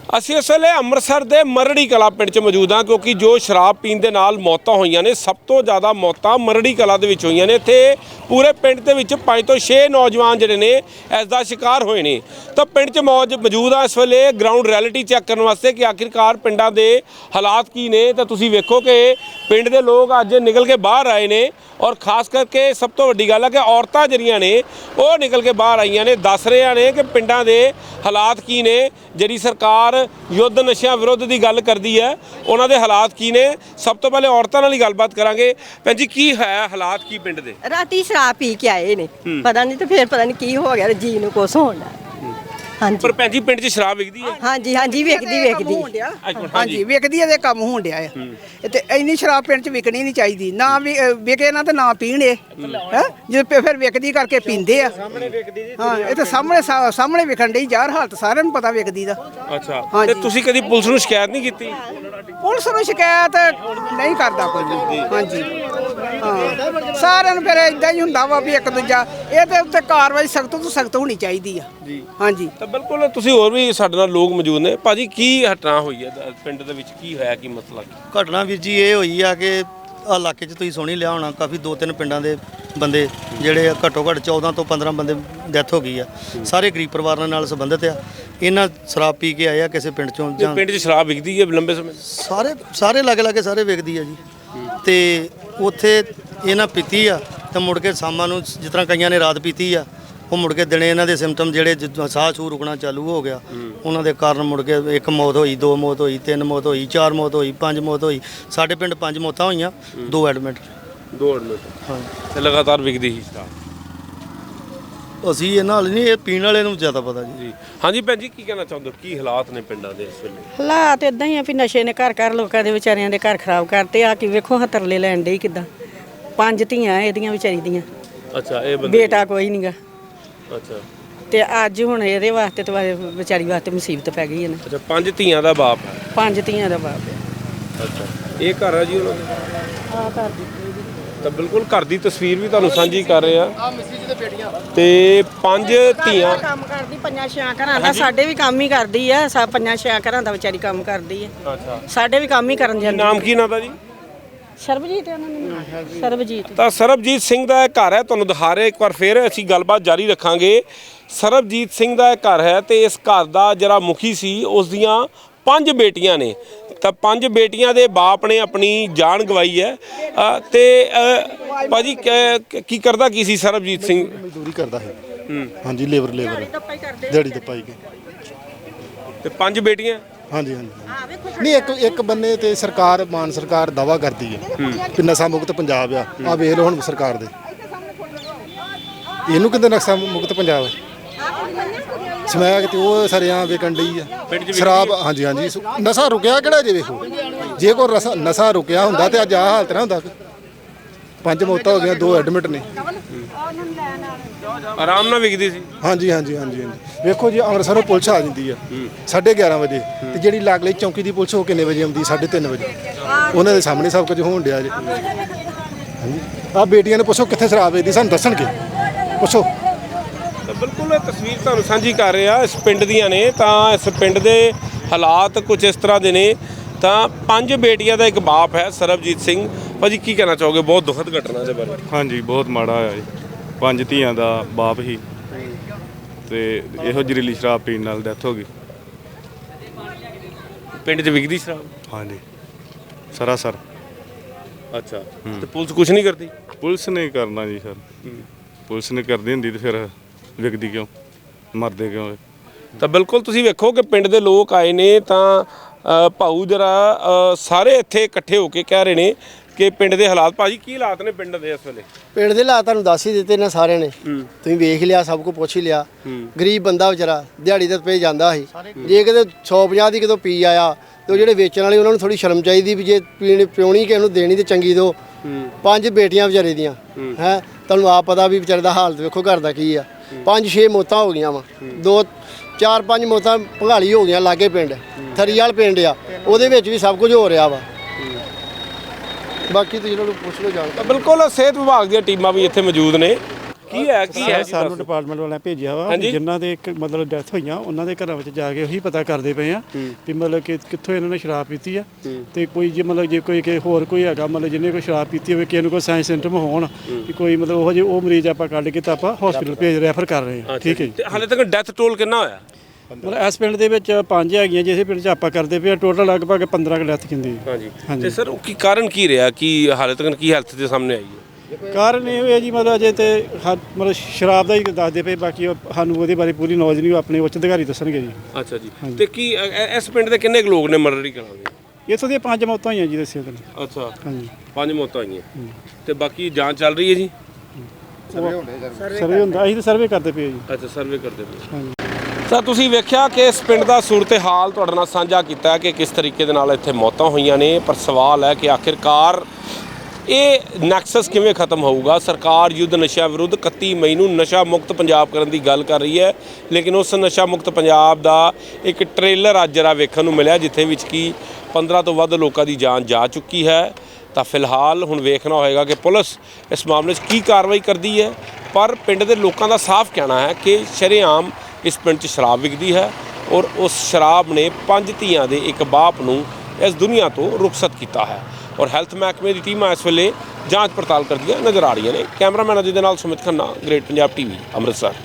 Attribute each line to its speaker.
Speaker 1: ਅਸੀਂ ਇਸ ਵੇਲੇ ਅੰਮ੍ਰਿਤਸਰ ਦੇ ਮਰੜੀ ਕਲਾ ਪਿੰਡ 'ਚ ਮੌਜੂਦ ਹਾਂ ਕਿਉਂਕਿ ਜੋ ਸ਼ਰਾਬ ਪੀਣ ਦੇ ਨਾਲ ਮੌਤਾਂ ਹੋਈਆਂ ਨੇ ਸਭ ਤੋਂ ਜ਼ਿਆਦਾ ਮੌਤਾਂ ਮਰੜੀ ਕਲਾ ਦੇ ਵਿੱਚ ਹੋਈਆਂ ਨੇ। ਇੱਥੇ ਪੂਰੇ ਪਿੰਡ ਦੇ ਵਿੱਚ 5 ਤੋਂ 6 ਨੌਜਵਾਨ ਜਿਹੜੇ ਨੇ ਇਸ ਦਾ ਸ਼ਿਕਾਰ ਹੋਏ ਨੇ। ਤਾਂ ਪਿੰਡ 'ਚ ਮੌਜੂਦ ਆ ਇਸ ਵੇਲੇ ਗਰਾਊਂਡ ਰਿਐਲਿਟੀ ਚੈੱਕ ਕਰਨ ਵਾਸਤੇ ਕਿ ਆਖਿਰਕਾਰ ਪਿੰਡਾਂ ਦੇ ਹਾਲਾਤ ਕੀ ਨੇ। ਤਾਂ ਤੁਸੀਂ ਵੇਖੋ ਕਿ ਪਿੰਡ ਦੇ ਲੋਕ ਅੱਜ ਨਿਕਲ ਕੇ ਬਾਹਰ ਆਏ ਨੇ ਔਰ ਖਾਸ ਕਰਕੇ ਸਭ ਤੋਂ ਵੱਡੀ ਗੱਲ ਹੈ ਕਿ ਔਰਤਾਂ ਜਿਹੜੀਆਂ ਨੇ ਉਹ ਨਿਕਲ ਕੇ ਬਾਹਰ ਆਈਆਂ ਨੇ, ਦੱਸ ਰਹੀਆਂ ਨੇ ਕਿ ਪਿੰਡਾਂ ਦੇ ਹਾਲਾਤ ਕੀ ਨੇ। ਜਿਹੜੀ ਸਰਕਾਰ युद्ध नशियां विरुद्ध की गल करती है उन्होंने हालात की ने। सब तो पहले औरतों नाल ही गलबात करांगे। भैन जी की है हालात की पिंड दे?
Speaker 2: राती शराब पी के आए ने, पता नहीं तो फिर पता नहीं की हो गया जी नूं कुछ होण लगा। हाँ जी
Speaker 1: पर भैन जी पिंड 'च शराब विकदी है?
Speaker 2: हाँ जी विकदी
Speaker 3: हाँ जी विकदी है, काम होण डिया है ते इन्नी शराब पिंड च विकनी नहीं चाहिदी। ना विके ना ते ना पीण है जे फिर विकदी करके पींदे आ। हाँ ये तो सामने विकण डी यार, हालत सारिਆਂ ਨੂੰ पता विकदी दा।
Speaker 1: अच्छा ते तुसीं कदी पुलिस ਨੂੰ शिकायत नहीं कीती?
Speaker 3: पुलिस ਨੂੰ शिकायत नहीं करदा कोई भी। हाँ जी हाँ सारिਆਂ ਨੂੰ फिर इदां ही हुंदा वा भी एक दूजा ਇਹ ਤੇ ਉੱਤੇ ਕਾਰਵਾਈ ਸਖਤ ਤੋਂ ਸਖਤ ਹੋਣੀ ਚਾਹੀਦੀ ਆ ਜੀ। हाँ जी
Speaker 1: ਤਾਂ ਬਿਲਕੁਲ ਤੁਸੀਂ ਹੋਰ ਵੀ ਸਾਡੇ ਨਾਲ ਲੋਕ ਮੌਜੂਦ ਨੇ। ਭਾਜੀ ਕੀ ਘਟਨਾ ਹੋਈ ਹੈ ਪਿੰਡ ਦੇ ਵਿੱਚ, ਕੀ ਹੋਇਆ, ਕੀ ਮਸਲਾ ਕੀ?
Speaker 4: ਘਟਨਾ ਵੀਰ ਜੀ ਇਹ ਹੋਈ ਆ ਕਿ ਆ ਇਲਾਕੇ 'ਚ ਤੁਸੀਂ ਸੁਣ ਹੀ ਲਿਆ ਹੋਣਾ, ਕਾਫੀ 2-3 ਪਿੰਡਾਂ ਦੇ ਬੰਦੇ ਜਿਹੜੇ ਘੱਟੋ ਘੱਟ 14 ਤੋਂ 15 ਬੰਦੇ ਡੈਥ ਹੋ ਗਈ ਆ। ਸਾਰੇ ਗਰੀਬ ਪਰਿਵਾਰਾਂ ਨਾਲ ਸੰਬੰਧਿਤ ਆ। ਇਹਨਾਂ ਸ਼ਰਾਬ ਪੀ ਕੇ ਆਏ ਆ ਕਿਸੇ ਪਿੰਡ 'ਚੋਂ। ਜਾਂ
Speaker 1: ਪਿੰਡ 'ਚ ਸ਼ਰਾਬ ਵਿਕਦੀ ਹੈ ਲੰਬੇ ਸਮੇਂ?
Speaker 4: ਸਾਰੇ ਲਾਗੇ ਸਾਰੇ ਵਿਕਦੀ ਆ ਜੀ। ਤੇ ਉੱਥੇ ਇਹਨਾਂ ਪੀਤੀ ਆ ਤਾਂ ਮੁੜ ਕੇ ਸ਼ਾਮਾਂ ਨੂੰ ਜਿਸ ਤਰ੍ਹਾਂ ਕਈਆਂ ਨੇ ਰਾਤ ਪੀਤੀ ਆ, ਉਹ ਮੁੜ ਕੇ ਦਿਨੇ ਇਹਨਾਂ ਦੇ ਸਿੰਪਟਮ ਜਿਹੜੇ ਸਾਹ ਛੂ ਰੁਕਣਾ ਚਾਲੂ ਹੋ ਗਿਆ, ਉਹਨਾਂ ਦੇ ਕਾਰਨ ਮੁੜ ਕੇ 1 ਮੌਤ ਹੋਈ, 2 ਮੌਤ ਹੋਈ, 3 ਮੌਤ ਹੋਈ, 4 ਮੌਤ ਹੋਈ, 5 ਮੌਤ ਹੋਈ। ਸਾਡੇ ਪਿੰਡ 5 ਮੌਤਾਂ ਹੋਈਆਂ, 2 ਐਡਮਿਟ।
Speaker 1: ਹਾਂ ਤੇ ਲਗਾਤਾਰ ਵਿਕਦੀ ਸੀ ਸ਼ਰਾਬ।
Speaker 4: ਅਸੀਂ ਇਹ ਨਾਲ ਨਹੀਂ, ਇਹ ਪੀਣ ਵਾਲੇ ਨੂੰ ਜ਼ਿਆਦਾ ਪਤਾ ਜੀ।
Speaker 1: ਹਾਂਜੀ ਭੈਣ ਜੀ ਕੀ ਕਹਿਣਾ ਚਾਹੁੰਦੇ ਹੋ, ਕੀ ਹਾਲਾਤ ਨੇ ਪਿੰਡਾਂ ਦੇ ਇਸ ਵੇਲੇ?
Speaker 2: ਹਾਲਾਤ ਇਦਾਂ ਹੀ ਆ ਵੀ ਨਸ਼ੇ ਨੇ ਘਰ ਲੋਕਾਂ ਦੇ ਵਿਚਾਰਿਆਂ ਦੇ ਘਰ ਖਰਾਬ ਕਰਤੇ ਆ। ਕਿ ਵੇਖੋ ਹਾਂ ਤਰਲੇ ਲੈਣ ਡੇ ਕਿਦਾਂ। 5 ਧੀਆਂ ਇਹਦੀਆਂ ਵਿਚਾਰੀ ਦੀਆਂ।
Speaker 1: ਅੱਛਾ ਇਹ ਬੰਦੇ
Speaker 2: ਬੇਟਾ ਕੋਈ ਨਹੀਂਗਾ।
Speaker 1: ਅੱਛਾ
Speaker 2: ਤੇ ਅੱਜ ਹੁਣ ਇਹਦੇ ਵਾਸਤੇ ਤੇ ਵਿਚਾਰੀ ਵਾਸਤੇ ਮੁਸੀਬਤ ਪੈ ਗਈ ਹੈ ਨਾ।
Speaker 1: ਅੱਛਾ 5 ਧੀਆਂ ਦਾ ਬਾਪ ਹੈ?
Speaker 2: 5 ਧੀਆਂ ਦਾ ਬਾਪ ਹੈ।
Speaker 1: ਅੱਛਾ ਇਹ ਘਰ ਹੈ ਜੀ ਉਹਨਾਂ ਦਾ?
Speaker 2: ਆ ਘਰ ਦੀ
Speaker 1: ਤਾਂ ਬਿਲਕੁਲ ਘਰ ਦੀ ਤਸਵੀਰ ਵੀ ਤੁਹਾਨੂੰ ਸਾਂਝੀ ਕਰ ਰਹੇ ਆ। ਤੇ 5 ਧੀਆਂ
Speaker 2: ਕੰਮ ਕਰਦੀ 5-6 ਘਰਾਂ ਦਾ। ਸਾਡੇ ਵੀ ਕੰਮ ਹੀ ਕਰਦੀ ਆ। 5-6 ਘਰਾਂ ਦਾ ਵਿਚਾਰੀ ਕੰਮ ਕਰਦੀ ਹੈ।
Speaker 1: ਅੱਛਾ
Speaker 2: ਸਾਡੇ ਵੀ ਕੰਮ ਹੀ ਕਰਨ ਜਾਂਦੀ।
Speaker 1: ਨਾਮ ਕੀ ਨਾਮ ਦਾ ਜੀ?
Speaker 2: ਸਰਬਜੀਤ ਉਹਨਾਂ ਨੇ ਸਰਬਜੀਤ।
Speaker 1: ਤਾਂ ਸਰਬਜੀਤ ਸਿੰਘ ਦਾ ਇਹ ਘਰ ਹੈ, ਤੁਹਾਨੂੰ ਦਿਖਾ ਰਹੇ ਇੱਕ ਵਾਰ ਫਿਰ ਅਸੀਂ ਗੱਲਬਾਤ ਜਾਰੀ ਰੱਖਾਂਗੇ। ਸਰਬਜੀਤ ਸਿੰਘ ਦਾ ਇਹ ਘਰ ਹੈ ਤੇ ਇਸ ਘਰ ਦਾ ਜਿਹੜਾ ਮੁਖੀ ਸੀ ਉਸ ਦੀਆਂ 5 ਬੇਟੀਆਂ ਨੇ। ਤਾਂ 5 ਬੇਟੀਆਂ ਦੇ ਬਾਪ ਨੇ ਆਪਣੀ ਜਾਨ ਗਵਾਈ ਹੈ। ਤੇ ਭਾਜੀ ਕੀ ਕਰਦਾ ਕੀ ਸੀ ਸਰਬਜੀਤ ਸਿੰਘ?
Speaker 5: ਮਜ਼ਦੂਰੀ ਕਰਦਾ ਹੈ। ਹਾਂਜੀ ਲੇਬਰ ਦਿਹਾੜੀ ਤੇ ਪਾਈ ਗਈ।
Speaker 1: ਤੇ 5 ਬੇਟੀਆਂ? ਹਾਂਜੀ
Speaker 5: ਨਹੀਂ ਇੱਕ ਬੰਨੇ ਤੇ ਸਰਕਾਰ ਮਾਨ ਸਰਕਾਰ ਦਾਵਾ ਕਰਦੀ ਹੈ ਕਿ ਨਸ਼ਾ ਮੁਕਤ ਪੰਜਾਬ ਆ ਵੇਖ ਲਓ ਹੁਣ ਸਰਕਾਰ ਦੇ ਇਹਨੂੰ ਕਿੰਨੇ ਨਸ਼ਾ ਮੁਕਤ ਪੰਜਾਬ ਹੈ। ਸਮੈਕ ਤੇ ਉਹ ਸਰਿਆਂ ਵਿਕਣ ਡਈ ਆ ਸ਼ਰਾਬ। ਹਾਂਜੀ ਨਸ਼ਾ ਰੁਕਿਆ ਕਿਹੜਾ ਜੇ? ਵੇਖੋ ਜੇ ਕੋਈ ਨਸ਼ਾ ਰੁਕਿਆ ਹੁੰਦਾ ਤੇ ਅੱਜ ਆਹ ਹਾਲਤ ਨਾ ਹੁੰਦਾ। 5 ਮੌਤਾਂ ਹੋ ਗਈਆਂ, 2 ਐਡਮਿਟ ਨੇ।
Speaker 1: ਆਰਾਮ ਨਾਲ ਵਿਕਦੀ ਸੀ?
Speaker 5: ਹਾਂਜੀ ਵੇਖੋ ਜੀ ਅੰਮ੍ਰਿਤਸਰੋਂ ਪੁਲਿਸ ਆ ਜਾਂਦੀ ਆ 11:30 ਵਜੇ ਤੇ ਜਿਹੜੀ ਲਾਗਲੇ ਚੌਂਕੀ ਦੀ ਪੁਲਿਸ ਉਹ ਕਿੰਨੇ ਵਜੇ ਆਉਂਦੀ? 3:30 ਵਜੇ। ਉਹਨਾਂ ਦੇ ਸਾਹਮਣੇ ਸਭ ਕੁਝ ਹੋਣ ਡਿਆ ਜੀ। ਹਾਂਜੀ ਆ ਬੇਟੀਆਂ ਨੂੰ ਪੁੱਛੋ ਕਿੱਥੇ ਸ਼ਰਾਬ ਵੇਚਦੀ, ਸਾਨੂੰ ਦੱਸਣਗੇ, ਪੁੱਛੋ।
Speaker 1: ਤਾਂ ਬਿਲਕੁਲ ਇਹ ਤਸਵੀਰ ਤੁਹਾਨੂੰ ਸਾਂਝੀ ਕਰ ਰਹੇ ਆ ਇਸ ਪਿੰਡ ਦੀਆਂ ਨੇ। ਤਾਂ ਇਸ ਪਿੰਡ ਦੇ ਹਾਲਾਤ ਕੁਝ ਇਸ ਤਰ੍ਹਾਂ ਦੇ ਨੇ। ਤਾਂ 5 ਬੇਟੀਆਂ ਦਾ ਇੱਕ ਬਾਪ ਹੈ ਸਰਬਜੀਤ ਸਿੰਘ। ਭਾਜੀ ਕੀ ਕਹਿਣਾ ਚਾਹੋਗੇ ਬਹੁਤ ਦੁਖਦ ਘਟਨਾ ਦੇ ਬਾਰੇ?
Speaker 6: ਹਾਂਜੀ ਬਹੁਤ ਮਾੜਾ ਹੋਇਆ ਜੀ। 5 ਧੀਆਂ ਦਾ ਬਾਪ ਹੀ ਤੇ ਇਹੋ ਜ਼ਹਿਰੀਲੀ ਸ਼ਰਾਬ ਪੀਣ ਨਾਲ ਡੈਥ ਹੋ ਗਈ।
Speaker 1: ਪਿੰਡ 'ਚ ਵਿਕਦੀ ਸ਼ਰਾਬ?
Speaker 6: ਹਾਂਜੀ ਸਰਾਸਰ।
Speaker 1: ਅੱਛਾ ਤੇ ਪੁਲਿਸ ਕੁਝ ਨਹੀਂ ਕਰਦੀ?
Speaker 6: ਪੁਲਿਸ ਨੇ ਕਰਨਾ ਜੀ ਸਰ। ਪੁਲਿਸ ਨੇ ਕਰਦੀ ਹੁੰਦੀ ਤੇ ਫਿਰ ਵਿਕਦੀ ਕਿਉਂ, ਮਰਦੇ ਕਿਉਂ?
Speaker 1: ਤਾਂ ਬਿਲਕੁਲ ਤੁਸੀਂ ਵੇਖੋ ਕਿ ਪਿੰਡ ਦੇ ਲੋਕ ਆਏ ਨੇ। ਤਾਂ ਭਾਊ ਜਰਾ ਸਾਰੇ ਇੱਥੇ ਇਕੱਠੇ ਹੋ ਕੇ ਕਹਿ ਰਹੇ ਨੇ ਕਿ ਪਿੰਡ ਦੇ ਹਾਲਾਤ। ਭਾਜੀ ਕੀ ਹਾਲਾਤ ਨੇ ਪਿੰਡ ਦੇ ਇਸ ਵੇਲੇ?
Speaker 7: ਪਿੰਡ ਦੇ ਹਾਲਾਤ ਤੁਹਾਨੂੰ ਦੱਸ ਹੀ ਦਿੱਤੇ ਨੇ ਸਾਰਿਆਂ ਨੇ। ਤੁਸੀਂ ਵੇਖ ਲਿਆ, ਸਭ ਕੁਝ ਪੁੱਛ ਹੀ ਲਿਆ। ਗਰੀਬ ਬੰਦਾ ਵਿਚਾਰਾ ਦਿਹਾੜੀ ਤੇ ਪੇ ਜਾਂਦਾ ਸੀ। ਜੇ ਕਿਤੇ 150 ਦੀ ਕਿਤੋਂ ਪੀ ਆਇਆ ਤੇ ਉਹ ਜਿਹੜੇ ਵੇਚਣ ਵਾਲੇ ਉਹਨਾਂ ਨੂੰ ਥੋੜੀ ਸ਼ਰਮ ਚਾਹੀਦੀ ਵੀ ਜੇ ਪਿਉਣੀ ਕਿਸੇ ਨੂੰ ਦੇਣੀ ਤੇ ਚੰਗੀ ਦੋ। 5 ਬੇਟੀਆਂ ਵਿਚਾਰੇ ਦੀਆਂ ਹੈ, ਤੁਹਾਨੂੰ ਆਪ ਪਤਾ ਵੀ ਵਿਚਾਰੇ ਦਾ ਹਾਲਤ ਵੇਖੋ ਘਰ ਦਾ ਕੀ ਆ। 5-6 ਮੌਤਾਂ ਹੋ ਗਈਆਂ ਵਾ। 2-4-5 ਮੌਤਾਂ ਭੰਗਾਲੀ ਹੋ ਗਈਆਂ ਲਾਗੇ ਪਿੰਡ ਥਰੀਵਾਲ ਪਿੰਡ ਆ, ਉਹਦੇ ਵਿੱਚ ਵੀ ਸਭ ਕੁਝ ਹੋ ਰਿਹਾ ਵਾ। ਬਾਕੀ ਤੁਸੀਂ ਇਹਨਾਂ ਨੂੰ ਪੁੱਛ ਲਓ ਜਾਣ।
Speaker 1: ਬਿਲਕੁਲ ਸਿਹਤ ਵਿਭਾਗ ਦੀਆਂ ਟੀਮਾਂ ਵੀ ਇੱਥੇ ਮੌਜੂਦ ਨੇ। ਕੀ ਹੈ ਕੀ ਹੈ ਜੀ
Speaker 8: ਸਾਨੂੰ
Speaker 1: ਦੱਸੋ।
Speaker 8: ਡਿਪਾਰਟਮੈਂਟ ਵਾਲਿਆਂ ਭੇਜਿਆ ਵਾ
Speaker 1: ਹਾਂਜੀ।
Speaker 8: ਵੀ ਜਿਨ੍ਹਾਂ ਦੇ ਇੱਕ ਮਤਲਬ ਡੈਥ ਹੋਈਆਂ ਉਹਨਾਂ ਦੇ ਘਰਾਂ ਵਿੱਚ ਜਾ ਕੇ ਉਹੀ ਪਤਾ ਕਰਦੇ ਪਏ ਆ ਵੀ ਮਤਲਬ ਕਿ ਕਿੱਥੋਂ ਇਹਨਾਂ ਨੇ ਸ਼ਰਾਬ ਪੀਤੀ ਆ ਤੇ ਕੋਈ ਜੇ ਮਤਲਬ ਜੇ ਕੋਈ ਕਿ ਹੋਰ ਕੋਈ ਹੈਗਾ ਮਤਲਬ ਜਿਹਨੇ ਕੋਈ ਸ਼ਰਾਬ ਪੀਤੀ ਹੋਵੇ ਕਿਸੇ ਨੂੰ ਕੋਈ ਸਾਇੰਸ ਸਿੰਟਮ ਹੋਣ ਵੀ ਕੋਈ ਮਤਲਬ ਉਹ ਜੇ ਉਹ ਮਰੀਜ਼ ਆਪਾਂ ਕੱਢ ਕੇ ਤਾਂ ਆਪਾਂ ਹਸਪੀਟਲ ਭੇਜ ਰੈਫਰ ਕਰ ਰਹੇ ਹਾਂ। ਠੀਕ ਹੈ ਜੀ।
Speaker 1: ਤੇ ਹਾਲੇ ਤੱਕ ਡੈਥ ਟੋਲ ਕਿੰਨਾ ਹੋਇਆ?
Speaker 8: ਮਤਲਬ ਇਸ ਪਿੰਡ ਦੇ ਵਿੱਚ 5 ਹੈਗੀਆਂ ਜਿਸ ਪਿੰਡ 'ਚ ਆਪਾਂ ਕਰਦੇ ਪਏ ਟੋਟਲ ਲਗਭਗ 15 ਡੈਥ ਕਿੰਦੀ
Speaker 1: ਹਾਂਜੀ ਤੇ ਸਰ ਉਹ ਕੀ ਕਾਰਨ ਕੀ ਰਿਹਾ ਕਿ ਹਾਲੇ ਤੱਕ ਕੀ ਹੈਲਥ ਦੇ ਸਾਹਮਣੇ ਆਈ ਹੈ?
Speaker 8: ਕਾਰਨ ਇਹ ਹੈ ਜੀ ਮਤਲਬ ਅਜੇ ਤੇ ਮਤਲਬ ਸ਼ਰਾਬ ਦਾ ਹੀ ਦੱਸਦੇ ਪਏ ਬਾਕੀ ਸਾਨੂੰ ਉਹਦੇ ਬਾਰੇ ਪੂਰੀ ਨੌਲੇਜ ਨਹੀਂ, ਉਹ ਆਪਣੇ ਉੱਚ ਅਧਿਕਾਰੀ ਦੱਸਣਗੇ ਜੀ।
Speaker 1: ਅੱਛਾ ਜੀ ਤੇ ਕੀ ਇਸ ਪਿੰਡ ਦੇ ਕਿੰਨੇ ਕੁ ਲੋਕ ਨੇ ਮਰਡਰੀ ਕਰਾਂਗੇ?
Speaker 8: ਇੱਥੋਂ ਦੀਆਂ 5 ਮੌਤਾਂ ਹੋਈਆਂ ਜੀ ਦੱਸਿਆ ਤੁਹਾਨੂੰ।
Speaker 1: ਅੱਛਾ
Speaker 8: ਹਾਂਜੀ
Speaker 1: 5 ਮੌਤਾਂ ਹੋਈਆਂ ਤੇ ਬਾਕੀ ਜਾਂਚ ਚੱਲ ਰਹੀ ਹੈ ਜੀ?
Speaker 8: ਸਰਵੇ ਹੁੰਦਾ ਅਸੀਂ ਤਾਂ ਸਰਵੇ ਕਰਦੇ ਪਏ ਜੀ।
Speaker 1: ਅੱਛਾ ਸਰਵੇ ਕਰਦੇ ਪਏ।
Speaker 8: ਹਾਂਜੀ।
Speaker 1: ਸਰ ਤੁਸੀਂ ਵੇਖਿਆ ਕਿ ਇਸ ਪਿੰਡ ਦਾ ਸੂਰਤ-ਏ-ਹਾਲ ਤੁਹਾਡੇ ਨਾਲ ਸਾਂਝਾ ਕੀਤਾ ਹੈ ਕਿ ਕਿਸ ਤਰੀਕੇ ਦੇ ਨਾਲ ਇੱਥੇ ਮੌਤਾਂ ਹੋਈਆਂ ਨੇ, ਪਰ ਸਵਾਲ ਹੈ ਕਿ ਆਖਿਰਕਾਰ ਇਹ ਨੈਕਸਸ ਕਿਵੇਂ ਖਤਮ ਹੋਊਗਾ? ਸਰਕਾਰ ਯੁੱਧ ਨਸ਼ਾ ਵਿਰੁੱਧ 31 ਮਈ ਨੂੰ ਨਸ਼ਾ ਮੁਕਤ ਪੰਜਾਬ ਕਰਨ ਦੀ ਗੱਲ ਕਰ ਰਹੀ ਹੈ, ਲੇਕਿਨ ਉਸ ਨਸ਼ਾ ਮੁਕਤ ਪੰਜਾਬ ਦਾ ਇੱਕ ਟ੍ਰੇਲਰ ਅੱਜ ਜਰਾ ਵੇਖਣ ਨੂੰ ਮਿਲਿਆ ਜਿੱਥੇ ਵਿੱਚ ਕਿ 15 ਤੋਂ ਵੱਧ ਲੋਕਾਂ ਦੀ ਜਾਨ ਜਾ ਚੁੱਕੀ ਹੈ। ਤਾਂ ਫਿਲਹਾਲ ਹੁਣ ਵੇਖਣਾ ਹੋਏਗਾ ਕਿ ਪੁਲਿਸ ਇਸ ਮਾਮਲੇ 'ਚ ਕੀ ਕਾਰਵਾਈ ਕਰਦੀ ਹੈ, ਪਰ ਪਿੰਡ ਦੇ ਲੋਕਾਂ ਦਾ ਸਾਫ਼ ਕਹਿਣਾ ਹੈ ਕਿ ਸ਼ਰੇਆਮ ਇਸ ਪਿੰਡ 'ਚ ਸ਼ਰਾਬ ਵਿਕਦੀ ਹੈ ਔਰ ਉਸ ਸ਼ਰਾਬ ਨੇ 5 ਧੀਆਂ ਦੇ ਇੱਕ ਬਾਪ ਨੂੰ ਇਸ ਦੁਨੀਆ ਤੋਂ ਰੁਖਸਤ ਕੀਤਾ ਹੈ। ਔਰ ਹੈਲਥ ਮਹਿਕਮੇ ਦੀ ਟੀਮਾਂ ਇਸ ਵੇਲੇ ਜਾਂਚ ਪੜਤਾਲ ਕਰਦੀਆਂ ਨਜ਼ਰ ਆ ਰਹੀਆਂ ਨੇ। ਕੈਮਰਾਮੈਨ ਅਜੇ ਦੇ ਨਾਲ ਸੁਮਿਤ ਖੰਨਾ, ਗ੍ਰੇਟ ਪੰਜਾਬ ਟੀਵੀ, ਅੰਮ੍ਰਿਤਸਰ।